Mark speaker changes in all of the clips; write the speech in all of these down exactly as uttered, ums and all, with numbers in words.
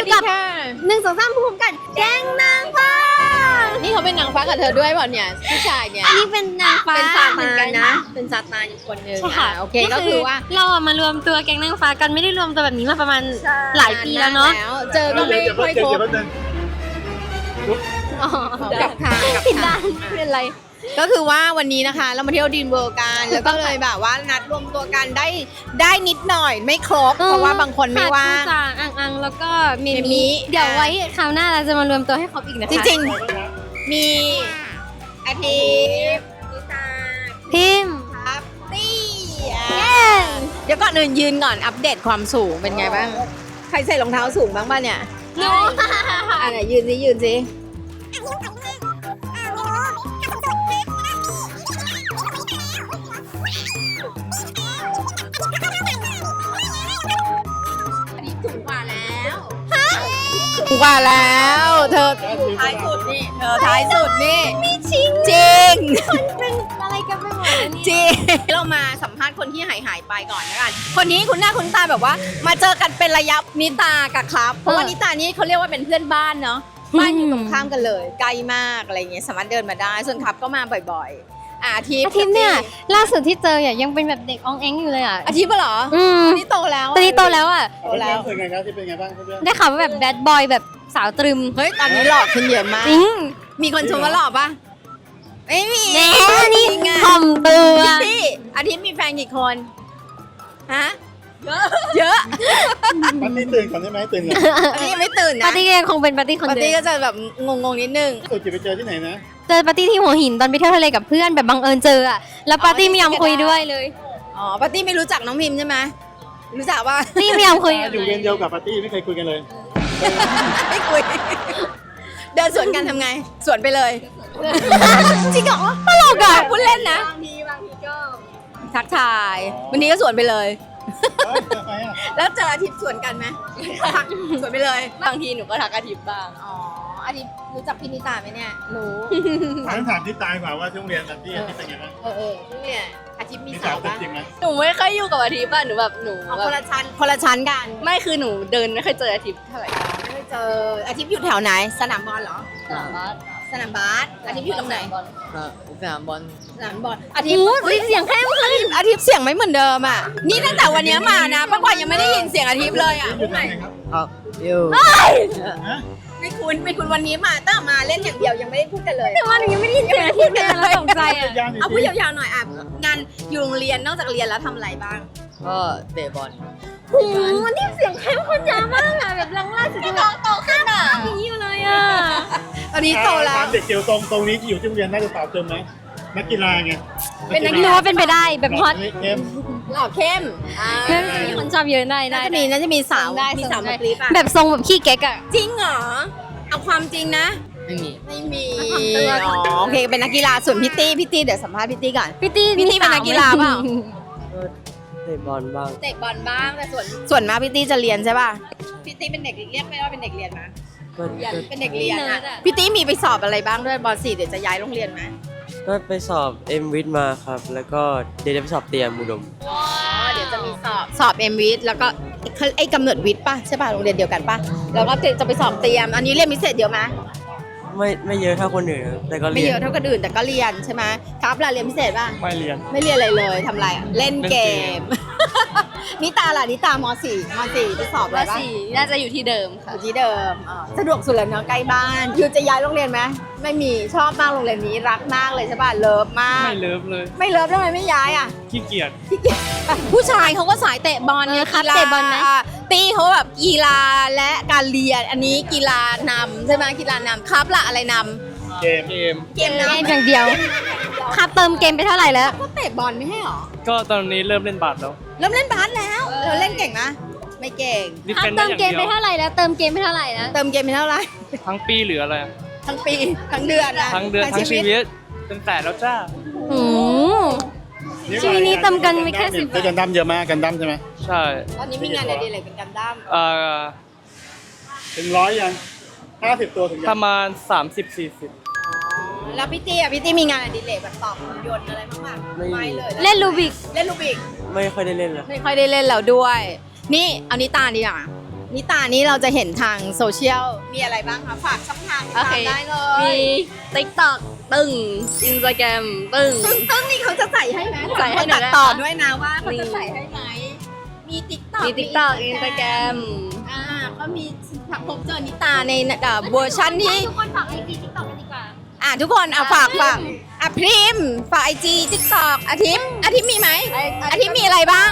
Speaker 1: อยู่กับหนึ่งสองสามภูมิกันแก๊งนางฟ้านี่เขาเป็นนางฟ้ากับเธอด้วยเปล่าเนี่ยผู้ชายเนี่ย
Speaker 2: อันนี้เป็นนางฟ้า
Speaker 1: เป็นซา
Speaker 2: เหมื
Speaker 1: ตา
Speaker 2: อนกัน
Speaker 1: นนะเป็นซาตานอีกคนนึง
Speaker 2: ใช่ค่ะ
Speaker 1: โอเคก็คือว่า
Speaker 2: เราอะมารวมตัวแก๊งนางฟ้ากันไม่ได้รวมตัวแบบนี้มาประมาณหลายปีแล้วเนาะ
Speaker 1: เจอก็ไม่ค่อยพบ
Speaker 2: อ๋อ
Speaker 1: กับทางกับ
Speaker 2: ผิด
Speaker 1: ทา
Speaker 2: ด้าง นไม่เป็นไร
Speaker 1: ก็คือว่าวันนี้นะคะเรามาเที่ยวดีนเวิลด์กันแล้วก็เลยแบบว่านัดรวมตัวกันได้ได้นิดหน่อยไม่ครบเพราะว่าบางคนไม่ว่าง
Speaker 2: จางอังอังแล้วก็เม
Speaker 1: เมมิ
Speaker 2: มิเดี๋ยวไว้คราวหน้าเราจะมารวมตัวให้ครบอีกนะคะ
Speaker 1: จริงๆมีอาทิตย์นิตา
Speaker 2: พิมพ์
Speaker 1: ครับตี้
Speaker 2: เย้
Speaker 1: เดี๋ยวก่อนอื่นยืนก่อนอัปเดตความสูงเป็นไงบ้างใครใส่รองเท้าสูงบ้างป่ะเนี่ย
Speaker 2: หนู
Speaker 1: อ่ะไหนยืนสิยืนสิอันนี้สูงกว่าแล้วสูงกว่าแล้วเธอท้ายสุดนี่เธอท้ายสุดนี่ไม่จริงจริง
Speaker 2: เป็นอะไรกันไปหมดแล้วเนี่ย
Speaker 1: จริงเรามาสัมภาษณ์คนที่หายหายไปก่อนนะกันคนนี้คุณหน้าคุณตาแบบว่า มาเจอกันเป็นระยะนิตากับครับเพราะว่านิตานี่เขาเรียกว่าเป็นเพื่อนบ้านเนาะบ้านอยู่ตรงข้ามกันเลยใกล้มากอะไรเงี้ยสามารถเดินมาได้ส่วนครับก็มาบ่อยๆอาทิตย์
Speaker 2: อาทิตย์เนี่ยล่าสุดที่เจอเนี่ยยังเป็นแบบเด็กอองแองอยู่เลยอ่ะ
Speaker 1: อาทิตย์ปะเหรอ
Speaker 2: อืม
Speaker 1: ตอนนี้โตแล้ว
Speaker 2: ตอนนี้โตแล้วอ่ะ
Speaker 1: โตแล้ว
Speaker 3: เป็นไงครับที่เป็นไงบ้างเพื่อน
Speaker 2: ได้ข่าวว่าแบบแบดบอยแบบสาวตรึม
Speaker 1: เฮ้ยตอนนี้หล่อขึ้นเยอะมาก
Speaker 2: จริง
Speaker 1: มีคนชมว่าหล่อปะไม่มี
Speaker 2: แน่นี่
Speaker 1: จริงอะ
Speaker 2: ถ่อมตัว
Speaker 1: พี่อาทิตย์มีแฟนกี่คนฮะเยอะเยอะ
Speaker 3: ๆมันนี่ตื่นก่อนใช่ไหมตื่นก่อน
Speaker 1: อาทิตย์ยังไม่ตื่นนะ
Speaker 2: ปาร์ตี้ก็ยังคงเป็นปาร์ตี้คน
Speaker 1: ปาร์
Speaker 2: เดิ
Speaker 1: ตี้
Speaker 2: ม
Speaker 1: ก็จะแบบงงๆนิดนึง
Speaker 3: สุดจะไปเจอที่ไหนนะ
Speaker 2: เจอปาร์ตี้ที่หัวหินตอนไปเที่ยวทะเลกับเพื่อนแบบบังเอิญเจออ่ะแล้วปาร์ตี้ไม่ยอมคุยด้วยเลย
Speaker 1: อ๋อปาร์ตี้ไม่รู้จักน้องพิมพ์ใช่ไหมรู้จักว่า
Speaker 2: ปาร์ตี้ไม่ยอมคุย
Speaker 3: อยู่เวรเดียวกับปาร์ตี้ไม่เคยคุยกันเลย
Speaker 1: ไม่คุย เดินสวนกันทำไง สวนไปเลย จริงเหรอตลกอ่ะพูดเล่นนะบางทีบางทีก็ทักทาย วันนี้ก็สวนไปเลย
Speaker 3: เฮ้ยทำไมอ่ะ
Speaker 1: แล้วเจออาทิตย์สวนกันไหมทักสวนไปเลย บางทีหนูก็ทักอาทิตย์บ้าง อ๋อ อาทิตย์รู้จักพี่นิตาไหมเนี่ย รู้
Speaker 3: ถามถามที่ตายกว่าว่าช่วงเรียนปาร์ตี้ที่เป็นไงบ้าง
Speaker 1: เออเออพี่เนี่ยอาทิตย์มี
Speaker 3: มี
Speaker 1: สา
Speaker 3: สาว
Speaker 1: ว
Speaker 3: ติด
Speaker 1: ปะ
Speaker 3: จริงไหม
Speaker 4: หนูไม่ค่อยอยู่กับอาทิตย์ป่ะหนูแบบหนู
Speaker 1: เอา
Speaker 4: แบ
Speaker 1: ค
Speaker 4: บ
Speaker 1: นละชั้นคนละชั้นกัน
Speaker 4: ไม่คือหนูเดินไม่เคยเจออาทิตย์เท่าไหร่
Speaker 1: ไม่ได้เจออาทิตย์อยู่แถวไหน สนามบอลเหรอ
Speaker 4: สนามบาส
Speaker 1: สนามบาสอาทิตย์อยู่ตรงไหน
Speaker 4: สนามบอล
Speaker 1: สนามบอลอาทิตย์
Speaker 2: โอ้ยเสียงเข้มขึ้น
Speaker 1: อาทิตย์เสียงไม่เหมือนเดิมอ่ะ นี่ตั้งแต่วันนี้มานะป้ากวางยังไม่ได้ยินเสียงอาทิตย์เลยอ่ะ
Speaker 3: อยู่ที่ไหนครับ
Speaker 4: ครับอยู่
Speaker 3: ฮะ
Speaker 1: ไม่คุ้นไม่คุ้นวันนี้มาตั้งแต่มาเล่นอย่างเดียวยังไม่ได้พูดกันเลย
Speaker 2: แต่ว่าหนูยังไม่ได้ยินเสียงอาทิตย์เลยเราตกใจอ่ะ
Speaker 3: ยาน
Speaker 1: เอาพูดยาวๆหน่อยอ่ะงานอยู่โรงเรียนนอกจากเรียนแล้วทำอะไรบ้าง
Speaker 4: ก็เตะบอล
Speaker 2: โอ้โหนี่เสียงเข้มข้นยาวมากอ่ะแบบลังล่าสุดที่แบบโตขึ้นอ่ะอย่างนี้อยู่เลยอ่ะ
Speaker 1: ตอนนี้โตแล้ว
Speaker 3: ถามเด็กเกียวตรงตรงนี้ที่อยู่ที่โรงเรียนน่าจะตอบเติมไหมนักกีฬาไง
Speaker 1: เป็นนัก
Speaker 2: ไม่รู้ว่าเป็นไปได้แบบฮอต
Speaker 3: เกม
Speaker 1: หล่อเข้มอ่า
Speaker 2: เพื่อนจะมีคนชอบเยอะได้
Speaker 1: น่า
Speaker 2: ได้
Speaker 1: จะมีน่าจะมีสาว
Speaker 2: ได้
Speaker 1: มี
Speaker 2: ส่ง
Speaker 1: สาว
Speaker 2: ได้
Speaker 1: มากรี๊ดอ่ะ
Speaker 2: แบบทรงแบบขี้เก๊กอ่ะ
Speaker 1: จริงเหรอเอาความจริงนะ
Speaker 4: ไม่มี
Speaker 1: ไม่มี
Speaker 2: ทำตัว
Speaker 1: อ๋อโอเคเป็นนักกีฬาส่วนพี่ตี้พี่ตี้เดี๋ยวสัมภาษณ์พี่ตี้ก่อน
Speaker 2: พี่ตี้
Speaker 1: พี่ตี้เป็นนักกีฬาเปล่า
Speaker 4: ก็เตะบอลบ้าง
Speaker 1: เตะบอลบ้างแต่ส่วนส่วนมากพี่ตี้จะเรียนใช่ป่ะพี่ตี้เป็นเด็กเรียกไม่ว่าเป็นเด็กเรียนนะ
Speaker 4: ก็ก็
Speaker 1: เป็นเด็กเรียนอ่ะพี่ตี้มีไปสอบอะไรบ้างด้วยบอลสี่เดี๋ยวจะย้ายโรงเรียนไหม
Speaker 5: ก็ไปสอบเอ็มวิทมาครับ แล้วก็เดี๋ยวจะไปสอบเตรียมอุดม
Speaker 1: อ๋อเดี๋ยวจะมีสอบสอบเอ็มวิทแล้วก็ไอ้กำเนิดวิทย์ป่ะใช่ป่ะโรงเรียนเดียวกันป่ะแล้วก็จะไปสอบเตรียม อันนี้เรียนพิเศษเยอะไหม
Speaker 5: ไม่ไม่เยอะเท่าคนอื่นครับแต่ก็
Speaker 1: ไม่
Speaker 5: เรีย
Speaker 1: เย
Speaker 5: น
Speaker 1: อะเท่าคนอื่นแต่ก็เรียนใช่ไหมครับล่ะเรียนพิเศษป่ะ
Speaker 3: ไม่เรียน
Speaker 1: ไม่เรียนอะไรเลยทำอะไรอ่ะเล่นเกม นิตาล่ะนิตามสี่มสี่ไปสอบอะไร
Speaker 4: ว่า
Speaker 1: บ้าง
Speaker 4: สี่น่าจะอยู่ที่เดิม
Speaker 1: อ
Speaker 4: ค่ะ
Speaker 1: ยู่ที่เดิมอ่าสะดวกสุดแล้วเนาะใกล้บ้านอยู่จะย้ายโรงเรียนไหมไม่มีชอบมากโรงเรียนนี้รักมากเลยใช่ป่ะเลิฟมาก
Speaker 3: ไม่เลิฟเลย
Speaker 1: ไม่เลิฟทำไมไม่ย้ายอ่ะ
Speaker 3: ขี้เกียจ
Speaker 1: ผู้ชายเขาก็สายเตะบอล
Speaker 2: เออครับ
Speaker 1: กีฬา
Speaker 2: เตะบอลไหม
Speaker 1: ะตีเขาแบบกีฬาและการเรียนอันนี้กีฬานำใช่ไหมกีฬานำครับละอะไรน
Speaker 3: เกมเกม
Speaker 1: ำเกม
Speaker 2: เก
Speaker 1: นำ
Speaker 2: มอย่างเดียวครับเติมเกมไปเท่าไหร่แล้ว
Speaker 1: ก็เตะบอลไม่ให้หรอ
Speaker 3: ก็ตอนนี้เริ่มเล่นบาสแล้ว
Speaker 1: เริ่มเล่นบาสแล้วเราเล่นเก่งนะไม่เก่ง
Speaker 2: ครับเติมเกมไปเท่าไหร่แล้วเติมเกมไปเท่าไหร่นะ
Speaker 1: เติมเกมไปเท่าไหร่
Speaker 3: ทั้งปีหรืออะไร
Speaker 1: ทั้งปีทั้งเดือนนะ
Speaker 3: ทั้งเดือนทั้งชีวิตเป็นแต่แล้วจ้า
Speaker 2: โอ้โห ชีวิตนี้เติมกันไม่แค่สิบ
Speaker 3: เจอกันดั้มเยอะมากกันดั้มใช่ไหมใช่
Speaker 1: ตอนนี้มีงานอะไรอะไรเป็นกันดั้ม
Speaker 3: เอ่อถึงร้อยยังห้าสิบตัวถึงประมาณสามสิบสี่สิบ
Speaker 1: แล้วพี่ตี้อ่ะพี่ตี้มีงานอดิเรกแบบตอบหุ่นยนต์อะไรบ้างไหม
Speaker 5: ไม่มี
Speaker 1: เลย
Speaker 2: เล่นลูบิก
Speaker 1: เล่นลูกบิก
Speaker 5: ไม่ค่อยได้เล่นแล้ว
Speaker 1: ไม่ค่อยได้เล่นแล้วด้วย นี่เอานิตาดีกว่านิตานี่เราจะเห็นทางโซเชียลมีอะไรบ้างคะฝากช่องทางติด
Speaker 2: โอ
Speaker 1: ตา
Speaker 2: เค
Speaker 1: มได้เล
Speaker 2: มี
Speaker 1: ย
Speaker 2: TikTok ตึ้ง Instagram ตึ้ง
Speaker 1: ซึ่งต้นนี่เขาจะใส่ให้ไหม
Speaker 2: ใส่ให้หน่
Speaker 1: ตั
Speaker 2: อย
Speaker 1: ด
Speaker 2: ได้
Speaker 1: ต่อ
Speaker 2: ปะ
Speaker 1: ด้วยนะว่าเขาจะ
Speaker 2: นี่
Speaker 1: ใส่ให้ไหมมีติ๊กต็อก
Speaker 2: มี TikTok Instagram
Speaker 1: อ่าก็มีพบเจอนิตาในเอ่อเวอร์ชันที่
Speaker 2: ทุกคนฝากไอจี TikTok กันดีกว่า
Speaker 1: อ่ะทุกคนเอาฝากฝากอ่ะพริมฝากไอจีติ๊กต็อกอาทิตย์อาทิตย์มีไหมอาทิตย์มีอะไรบ้าง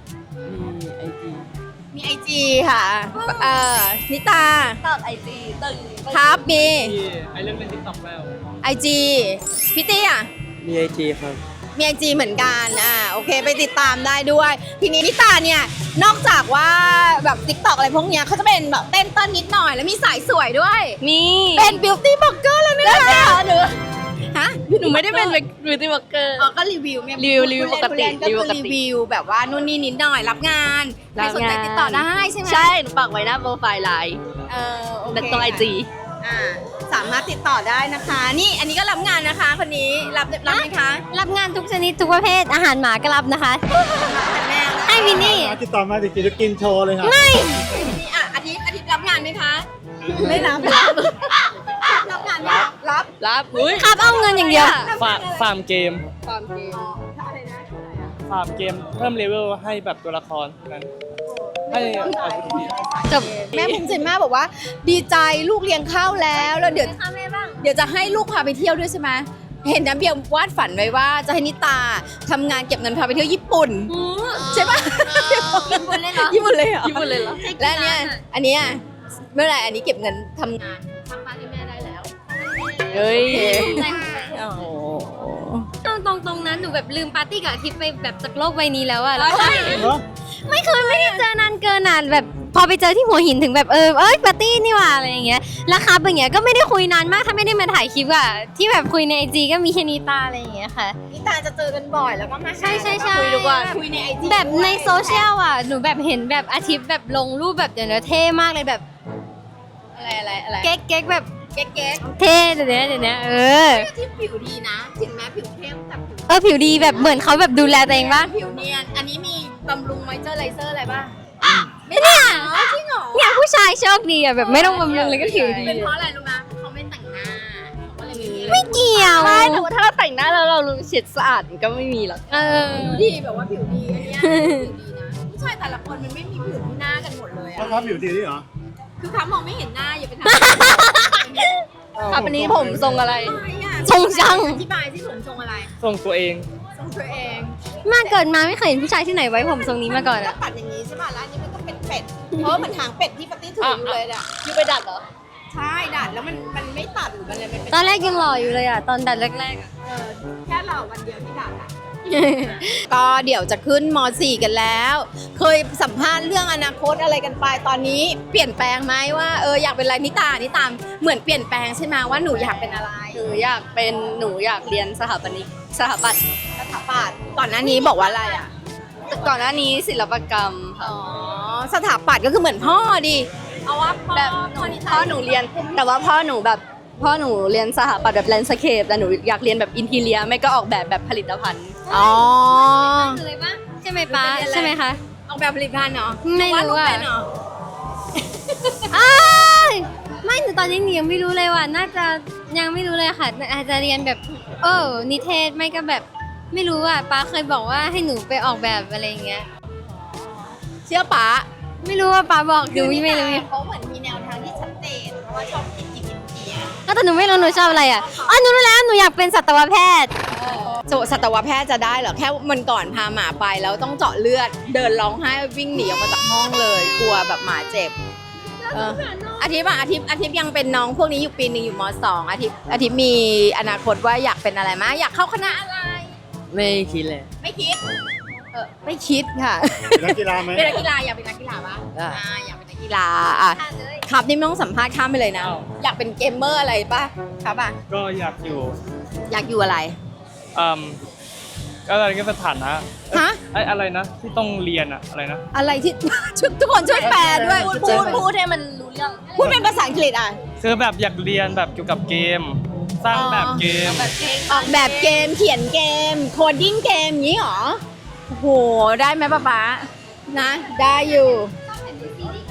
Speaker 5: มีไอจี
Speaker 1: มีไอจีค่ะเอ่อนิตา
Speaker 2: TikTok ไอจีตึ้ง
Speaker 1: ครับมี
Speaker 3: ที่ไอเรื่องเป็นติ๊กต็อกแล้ว
Speaker 1: ไอจีพี่ตี้อ่ะ
Speaker 5: มีไอจีครับ
Speaker 1: มีไอจีเหมือนกันอ่าโอเคไปติดตามได้ด้วย ทีนี้นิตาเนี่ยนอกจากว่าแบบติ๊กต็อกอะไรพวกเนี้ยเขาจะเป็นแบบเต้นต้นนิดหน่อยแล้วมีสายสวยด้วย
Speaker 2: มี
Speaker 1: เป็นบิวตี้บล็อกเกอร์แล้วนะคะหนูฮะ
Speaker 2: หนูไม่ได้เป็นบิวตี้บล็อกเกอร์
Speaker 1: อ๋อก็รีวิวไง
Speaker 2: รีวิวรีวิวปกติ
Speaker 1: ผู้เล่น
Speaker 2: รีวิว
Speaker 1: ก็
Speaker 2: ปก
Speaker 1: คือ
Speaker 2: ติ
Speaker 1: รีวิวแบบว่านู่นนี่นิดหน่อยรับงานใครสนใจติดต่อได้ใช่ไหม
Speaker 2: ใช่ หนูปักไว้หน้าโปรไฟล์ไลน์
Speaker 1: เออโอเค
Speaker 2: ตรงไอจี
Speaker 1: อ่าสามารถติดต่อได้นะคะ นี่อันนี้ก็รับงานนะคะ คนนี้รับรับไหมคะ
Speaker 6: รับงานทุกชนิดทุกประเภทอาหารหมาก็รับนะคะ
Speaker 1: แม่
Speaker 6: ให้วินนี่
Speaker 3: ติดต่อมาติดกินกินโชว์เลยครับ
Speaker 1: นี่อ่ะอาทิตย์อาทิตย์รับงานไหมคะ ไม่รับรับรับงานไหมคะรับ
Speaker 2: รับอุ้ย
Speaker 6: ครับเอาเงินอย่างเดียว
Speaker 3: ฟาร์มฟาร์มเกม
Speaker 2: ความเกม
Speaker 1: อะไรนะ
Speaker 3: ฟาร์มเกมเพิ่มเลเวลให้แบบตัวละครนั้นให้อาวุธดี
Speaker 6: จบ
Speaker 1: แม่ภูมิใจมากบอกว่า ดีใจลูกเลี้ยงข้าวแล้วแล้วเดี๋ยว
Speaker 6: ค่ะแม่บ้าง
Speaker 1: เดี๋ยวจะให้ลูกพาไปเที่ยวด้วยใช่ไหมเห็นน้ำเบียร์วาดฝันไว้ว่าจะให้นิตาทำงานเก็บเงินพาไปเที่ยวญี่ปุ่นใช่ปะ
Speaker 6: ญี่ปุ่นเลยเหรอ
Speaker 1: ญี่ปุ่นเลยเหรอ
Speaker 2: ญี่ปุ่นเลยเหรอ
Speaker 1: และอันเนี่ยอันเนี้ยเมื่อไหร่อันนี้เก็บเงินทำงาน
Speaker 6: ทำบ้านให้แม่ได้แล้ว
Speaker 2: เฮ้ย
Speaker 1: โอ้โห
Speaker 6: ตรงตรงตรงนั้นหนูแบบลืมปาร์ตี้กับอาทิตย์ไปแบบจากโลกใบนี้แล้วอะแล้ว
Speaker 3: เนาะ
Speaker 6: ไม่เคยไม่ได้เจอนานเกินนานแบบพอไปเจอที่หัวหินถึงแบบเออเอ้ยปาร์ตี้นี่หว่าอะไรอย่างเงี้ยแล้วครับอย่างเงี้ยก็ไม่ได้คุยนานมากถ้าไม่ได้มาถ่ายคลิปอะที่แบบคุยในไอจีก็มีแค่นิตาอะไรอย่างเงี้ยค่ะ
Speaker 1: นิตาจะเจอกันบ่อยแล้วก็มาหา
Speaker 6: ใช่ใช่ใช่
Speaker 1: คุยทุกวันคุยในไอจี
Speaker 6: แบบในโซเชียลอ่ะ หนูแบบเห็นแบบอาทิตย์แบบลงรูปแบบเดี๋ยวนี้เท่มากเลยแบบ
Speaker 1: อะไรอะไรอะไร
Speaker 6: เก๊กเก๊กแบบ
Speaker 1: เก๊กเก๊ก
Speaker 6: เท่เดี๋ยวนี้เดี๋ยวนี้เออ
Speaker 1: ที่ผิวดีนะถึงแม้ผิวเข้มแต่ผิว
Speaker 6: เออผิวดีแบบเหมือนเขาแบบดูแลตัวเองบ้าง
Speaker 1: ผิวเนียนอันนี้มีบำรุงมอยเจอร์ไรเซอร์อะไรบ้าง
Speaker 6: ไม่เนี่ย
Speaker 1: จริงเหรอ
Speaker 6: เนี่ยผู้ชายโชคดีอ่ะแบบไม่ต้องบำรุงเลยก็ผิวดี
Speaker 1: เป็นเพราะอะไรรู้ไหมเขาไม่แต่งหน้าเขาก็เลยไม่มีอะไร
Speaker 6: ไม่เกี่ยว
Speaker 2: ใช่แต่ว่าถ้าเราแต่งหน้าแล้วเรารู้เฉดสะอาดมันก็ไม่มีหรอก
Speaker 6: เออ
Speaker 1: ผิวดีแบบว่าผิวดีอันเนี้ยผิวดีนะผู้ชายแต่ละคนมันไม่มีผิวที่หน้ากันหมดเลย
Speaker 3: เขา
Speaker 1: อะ
Speaker 3: ครับผิวดีนี่เหรอ
Speaker 1: คือเขามองไม่เห็นหน้าอย่าไปถาม
Speaker 2: ครับอันนี้ผมทรงอะไร
Speaker 1: อะไรอะ
Speaker 6: ทรงช่าง
Speaker 1: อธิบายที่ผมทรงอะไร
Speaker 3: ส่งตัวเอง
Speaker 1: ทรงตัวเอง
Speaker 6: มาเกิดมาไม่เคยเห็นผู้ชายที่ไหนไว้ผมทรงนี้มาก่อน
Speaker 1: แล้
Speaker 6: อ่ะ
Speaker 1: วปัดอย่างนี้ใช่ป่ะแล้วอันนี้มันก็เป็นเป็ดเพราะว่ามันหางเป็ดที่ปาร์ตี้ถืออยู่เลยอะ
Speaker 2: อยู่ไปดัดเหรอ
Speaker 1: ใช่ดัดแล้วมันมันไม่ตัดหรือมันเลยมันเป็น
Speaker 6: ตอนแรกยังหล่ออยู่เลยอ่ะตอนดัดแรกๆอ่ะ
Speaker 1: เออแค่เราวันเดียวที่ดัดอะ ก็เดี๋ยวจะขึ้นม .สี่ กันแล้ว เคยสัมภาษณ์เรื่องอนาคตอะไรกันไปตอนนี้เปลี่ยนแปลงไหมว่าเอออยากเป็นอะไรนิตานิตามเหมือนเปลี่ยนแปลงใช่ไหมว่าหนูอยากเป็นอะไร
Speaker 2: หนูอยากเป็นหนูอยากเรียนสถาปนิกสถาปัตย์
Speaker 1: สถาปัตย์ก่อนหน้านี้บอกว่าอะไรอ่ะ
Speaker 2: ก่อนหน้านี้ศิลปกรรมค่ะ
Speaker 1: อ๋อสถาปัตย์ก็คือเหมือนพ่อดิเอาว่าพ่อ
Speaker 2: แบบ
Speaker 1: พ่อนิตา
Speaker 2: พ่อหนูเรียน แต่ว่าพ่อหนูแบบพ่อหนูเรียนสถาปัตย์แบบแลนด์สเคปแต่หนูอยากเรียนแบบอินทีเรียไม่ก็ออกแบบแบบผลิตภัณฑ์
Speaker 1: อ๋อ
Speaker 6: คืออะไรปะใช่ไหมป้าใช่ไหมคะ
Speaker 1: ออกแบบผลิตภัณฑ์เนาะ
Speaker 6: ไม่รู้อะ
Speaker 1: วาดปเป็นเหรอ
Speaker 6: อ้ายไม่หนูตอนนี้หนูยังไม่รู้เลยว่าน่าจะยังไม่รู้เลยค่ะอาจจะเรียนแบบเออนิเทศไม่ก็แบบไม่รู้อ่ะป้าเคยบอกว่าให้หนูไปออกแบบอะไรอย่างเงี้ย
Speaker 1: เชื่อป๋า
Speaker 6: ไม่รู้ว่าป้าบอกหนูไม่รู้
Speaker 1: เขาเหมือนมีแนวทางที่ชัดเจนเพราะว่าชอบกินกินกิน
Speaker 6: ก็แต่หนูไม่รู้หนูชอบอะไรอ่ะอ๋อหนูรู้แล้วหนูอยากเป็นสัตวแพทย์
Speaker 1: โจสัตวแพทย์จะได้เหรอแค่มันก่อนพาหมาไปแล้วต้องเจาะเลือด เดินร้องไห้วิ่งหนีออกมาจากห้องเลยกลัวแบบหมาเจ็บเอออาทิตย์อะอาทิตย์อาทิตย์ยังเป็นน้องพวกนี้อยู่ปีหนึ่งอยู่มสองอาทิตย์อาทิตย์มีอนาคตว่าอยากเป็นอะไรมะอยากเข้าคณะอะไร
Speaker 5: ไม่คิดเลย
Speaker 1: ไม่คิดเออไม่คิดค่ะ
Speaker 3: นักกีฬาไหม
Speaker 1: เป็นนักกีฬาอยากเป็นนักกีฬาปะ
Speaker 5: ได้
Speaker 1: อ่าอยากเป็นนักกีฬาอ่ะครับนี่ไม่ต้องสัมภาษณ์ข้ามไปเลยนะ อยากเป็นเกมเมอร์อะไรปะครับอ่ะ
Speaker 3: ก็อยากอยู่
Speaker 1: อยากอยู่อะไร
Speaker 3: อืมก็อะไรก็สถานะ
Speaker 1: ฮะ
Speaker 3: ไออะไรนะ ที่ต้องเรียนอะอะไรนะ
Speaker 1: อะไรที่ ทุกคนช่วยแปลด้วย
Speaker 2: พูด
Speaker 1: พูด
Speaker 2: พูดให้มันรู้เรื่อง
Speaker 1: พูดเป็นภาษาอังกฤษอ่ะ
Speaker 3: คือแบบอยากเรียนแบบเกี่ยวกับเกม สร้างแบบเกม
Speaker 2: แบบเพลง
Speaker 1: ออกแบบเกมเขียนเกม โคดดิ้งเกมอย่างนี้เหรอโอ้โหได้ไหมป๊าป๊านะ ได้อยู่
Speaker 6: ต้องเห็นในซีรีส์เกาหลีแบบ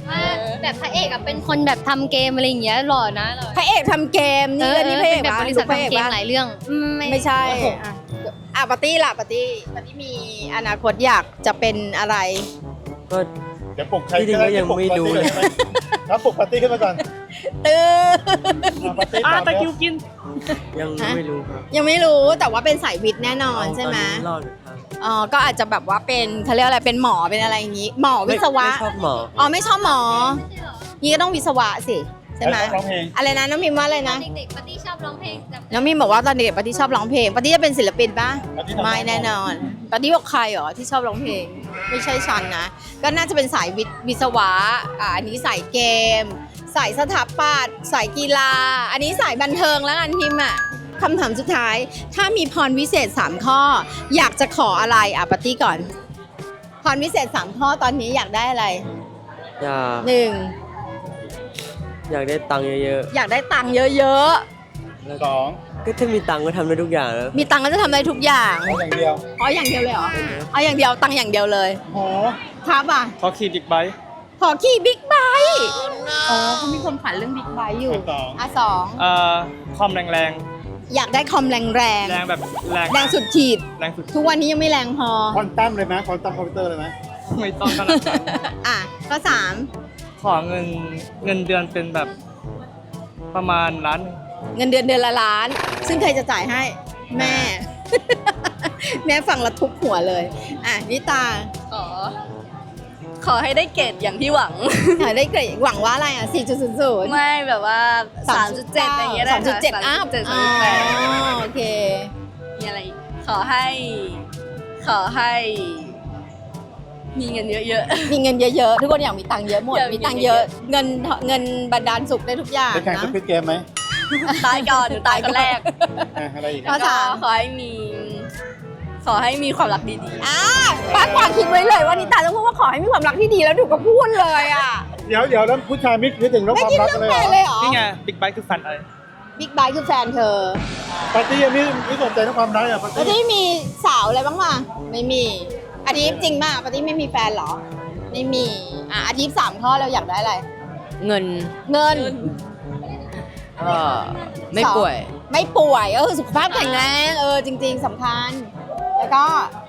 Speaker 6: ว่าแบบพระเอกอะเป็นคนแบบทำเกมอะไรอย่างเงี้ยหล่อนะหล่อ
Speaker 1: พระเอกทำเกมนี่เลยนี่พระเอก
Speaker 6: เป็นแบบ
Speaker 1: ปะ
Speaker 6: บริษัท
Speaker 1: พระเอก
Speaker 6: ทำเกม
Speaker 1: ปะ
Speaker 6: หลายเรื่องอืม
Speaker 1: ไม่ใช่อ่ะอ่ะปาร์ตี้ล่ะปาร์ตี้ปาร์ตี้มีอนาคตอยากจะเป็นอะไร
Speaker 5: ก็
Speaker 3: เดี๋ยวปลุกใคร
Speaker 5: ที่จริงก็ยังไม่รู้เลย
Speaker 3: ครับปลุกปาร์ตี้ขึ้นมาก่อน
Speaker 1: ตื้อ
Speaker 3: อ่ะปาร์ตี้
Speaker 4: อ่ะ
Speaker 3: ตอบ
Speaker 4: ตะ
Speaker 3: แล้ว
Speaker 4: คิวกิน
Speaker 5: ยังไม่รู้ครับ
Speaker 1: ยังไม่รู้แต่ว่าเป็นสายวิทย์แน่นอนใช่ไหม
Speaker 5: ตอนนี้รอดอยู่ครับ
Speaker 1: อ๋อก็อาจจะแบบว่าเป็นเขาเรียกอะไรเป็นหมอเป็นอะไรอย่างงี้ หมอวิศวะ
Speaker 5: ไม่ชอบหมอ
Speaker 1: อ๋อไม่ชอบหมอนี่ก็ต้องวิศวะสิใช่ไหม
Speaker 3: ร้องเพลง
Speaker 1: อะไรนะน้องมิมว่าอะไรนะ
Speaker 6: เด็กๆปาร์ตี้ชอบร้องเพลงแต่
Speaker 1: น้องมิมบอกว่าตอนเด็กปาร์ตี้ชอบร้องเพลงปาร์ตี้จะเป็นศิลปินปะ
Speaker 3: ปาร์ตี้ทำ
Speaker 1: ไม่แน่นอนปาร์ตี้บอกใครเหรอที่ชอบร้องเพลง ไม่ใช่ฉันนะ ก็น่าจะเป็นสายวิทย์วิศวะอ่าอันนี้สายเกม สายสถาปัตย์สายกีฬา อันนี้สายบันเทิงแล้วกันพิมอ่ะคำถามสุดท้าย ถ้ามีพรวิเศษสามข้อ อยากจะขออะไรอ่ะปาร์ตี้ก่อน พรวิเศษสามข้อตอนนี้อยากได้อะไร
Speaker 5: อยาก
Speaker 1: หนึ่ง
Speaker 5: อยากได้ตังค์เยอะ
Speaker 1: อยากได้ตังค์เยอะ
Speaker 3: สอง
Speaker 5: ๆ ก็ถ้ามีตังค์ก็ทำได้ทุกอย่างแล้ว
Speaker 1: ๆ มีตังค์ก็จะทำได้ทุกอย่าง
Speaker 3: เอาอย่างเดียว
Speaker 1: อ๋ออย่างเดียวเลยเหรอเอาอย่างเดียวตังค์อย่างเดียวเลย
Speaker 3: โอ้โห
Speaker 1: ครับอ่ะ
Speaker 3: ขอขี่บิ๊กไบค์
Speaker 1: ขอขี่บิ๊กไบค์อ๋อเขามีความฝันเรื่องบิ๊กไบค์อยู่
Speaker 3: สอง
Speaker 1: อ่ะสอง
Speaker 3: เอ่อคอมแรงแรง
Speaker 1: อยากได้คอมแรงแรง
Speaker 3: แรงแบบแรง
Speaker 1: แรงสุดขีด
Speaker 3: แรงสุด
Speaker 1: ทุกวันนี้ยังไม่แรงพอ
Speaker 3: ควอนตัมเลยไหมควอนตัมคอมพิวเตอร์เลยไหมไม่ต้องขนาดนั้น
Speaker 1: อ่ะก็สาม
Speaker 3: ขอเงินเงินเดือนเป็นแบบประมาณล้านหนึ่ง
Speaker 1: เงินเดือนเดือนละล้าน ซึ่งใครจะจ่ายให้ แม่ แม่ฟังแล้วทุบหัวเลย อ่ะนิตา
Speaker 2: ขอ ขอให้ได้เกรดอย่างที่หวัง
Speaker 1: อยากได้เกรดหวังว่าอะไรอ่ะสี่จุดศูนย์ศูนย์
Speaker 2: ไม่แบบว่า สามจุดเจ็ด อย่างเงี้ยได้
Speaker 1: สามจุดเจ็ด
Speaker 2: ค่ะ
Speaker 1: อัพ
Speaker 2: สามจุดเจ็ด
Speaker 1: อ๋
Speaker 2: สามจุดแปด
Speaker 1: อโอเค
Speaker 2: มีอะไรอีกขอให้ ขอให้ มีเงินเยอะ
Speaker 1: มีเงินเยอะๆ ทุกคนอยากมีตังค์เยอะหมด
Speaker 2: อยากมี
Speaker 1: มีตังค์เยอะ เงินเงินบันดาลสุขได้ทุกอย่าง
Speaker 3: ไปแข่งส
Speaker 1: นะ
Speaker 3: ควิดเกมไหม
Speaker 2: ๆ ตายก่อนหนูตายคนแรก
Speaker 3: อ่ะอะไรอีก
Speaker 1: ข้อ
Speaker 2: แล้วก็
Speaker 1: สาม
Speaker 2: ขอให้มี ขอให้มีความรักดี
Speaker 1: อ่าป้ากวางคิดไว้เลยว่านิตาต้องพูดว่าขอให้มีความรักที่ดีแล้วถูกก็พูดเลยอ่ะ
Speaker 3: เดี๋ยวเดี๋ยวแล้วผู้ชายไม่คิดถึงเรื่อง
Speaker 1: ไม่
Speaker 3: ความ
Speaker 1: คิด
Speaker 3: รัก
Speaker 1: เรื่อง
Speaker 3: เลย
Speaker 1: แฟ
Speaker 3: เหรอ
Speaker 1: นเลยเหรอ
Speaker 3: นี่ไงบิ๊กไบค์คือแฟนอะไร
Speaker 1: บิ๊กไบค์คือแฟนเธอ
Speaker 3: ปาร์ตี้ยังไม่ไม่สนใจเรื่องความรักอ่ะปาร์
Speaker 1: แล้ว
Speaker 3: ตี้
Speaker 1: ที่มีสาวอะไรบ้างมาไม่มีอาทิตย์จริงมากปาร์ตี้ไม่มีแฟนเหรอ ไม่มีอ่ะอาทิตย์สามข้อเราอยากได้อะไร
Speaker 4: เงิน
Speaker 1: เงิน
Speaker 4: ก็ไม่ป่วย
Speaker 1: ไม่ป่วยเออสุขภาพแข็งแรงเออจริง ๆสำคัญ แล้วก็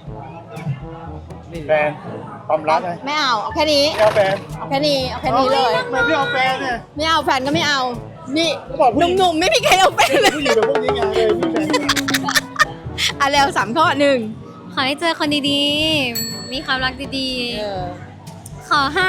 Speaker 3: แฟนความรักไง
Speaker 1: ไม่เอาเอาแค่นี้
Speaker 3: ไม่เอาแฟน
Speaker 1: เอาแค่นี้เอาแค่นี้เลย
Speaker 3: ทำไมไม่เอาแฟนเนี่ย
Speaker 1: ไม่เอาแฟนก็ไม่เอา นี่
Speaker 3: ก็บอกผู้หญิง
Speaker 1: หนุ่มๆไม่มีใครเอาแฟนเลย
Speaker 3: ผู้หญิงแบบพวกนี้ไงเลยมีแฟน
Speaker 1: อ่ะแล้วสามข้อหนึ่ง
Speaker 6: ขอให้เจอคนดีๆ มีความรักดีๆ ขอให้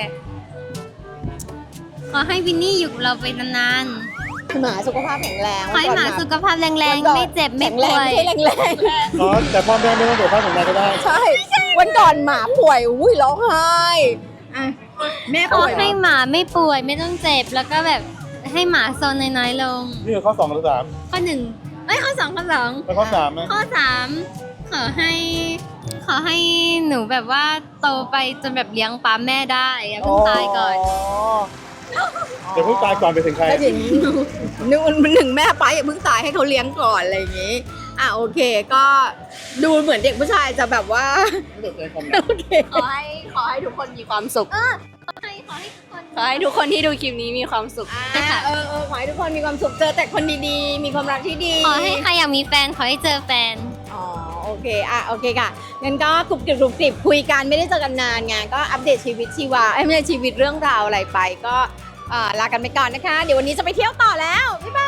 Speaker 6: ขอให้วินนี่อยู่กับเราไปนาน
Speaker 1: หมาสุขภาพแข็งแรง
Speaker 6: ๆ ขอให้หมาสุขภาพแรงๆ ไม่เจ็บไม่
Speaker 1: แข็งแร
Speaker 6: ป่
Speaker 1: ง
Speaker 6: วย
Speaker 1: ไม่ใช่แรงแรง
Speaker 3: อ๋อแต่พ่อแม่ไม่ต้องเดือดร้อนของแม่ก็ได้
Speaker 1: ใช่วันก่อนหมาป่วยอุ้ยร้องไห้อ่ะแม่
Speaker 6: ขอ
Speaker 1: ป่วย
Speaker 6: ให้หมาไม่ป่วยไม่ต้องเจ็บ แล้วก็แบบให้หมาโซนน้อยๆลง
Speaker 3: นี่คือข้อสองหรือสาม
Speaker 6: ข้อหนึ่งเอ้ยข้อสองข้อสอง
Speaker 3: แล้วข้อสามไหม
Speaker 6: ข้อสามขอให้ ขอให้หนูแบบว่าโตไปจนแบบเลี้ยงป้าแม่ได้อย่าเพิ่งตายก่อน
Speaker 3: เดี๋ยวเพิ่งตายก่อนไปถึงใคร
Speaker 1: ก็ถึงนึกหนึ่งแม่ไปอย่าเพิ่งตายให้เขาเลี้ยงก่อนอะไรอย่างงี้อ่ะโอเคก็ดูเหมือนเด็กผู้ชายจะแบบว่า
Speaker 3: ไม่สนใจความรัก
Speaker 1: โอเค
Speaker 2: ขอให้ ขอให้ทุกคนมีความสุข
Speaker 6: ขอให้ขอให้ทุกคน
Speaker 2: ขอให้ทุกคนที่ดูคลิปนี้มีความสุข
Speaker 1: อ่ะเออเออขอให้ทุกคนมีความสุขเจอแต่คนดีๆ มีความรักที่ดี
Speaker 6: ขอให้ใครอยากมีแฟน ขอให้เจอแฟน
Speaker 1: อ๋อโอเคอ่ะโอเคค่ะงั้นก็กรุบกริบกรุบกริบคุยกันไม่ได้เจอกันนานไงก็อัปเดตชีวิตชีวาเอ้ยไม่ใช่ชีวิตเรื่องราวอะไรไปก็อ่าลากันไปก่อนนะคะ เดี๋ยววันนี้จะไปเที่ยวต่อแล้วบ๊ายบาย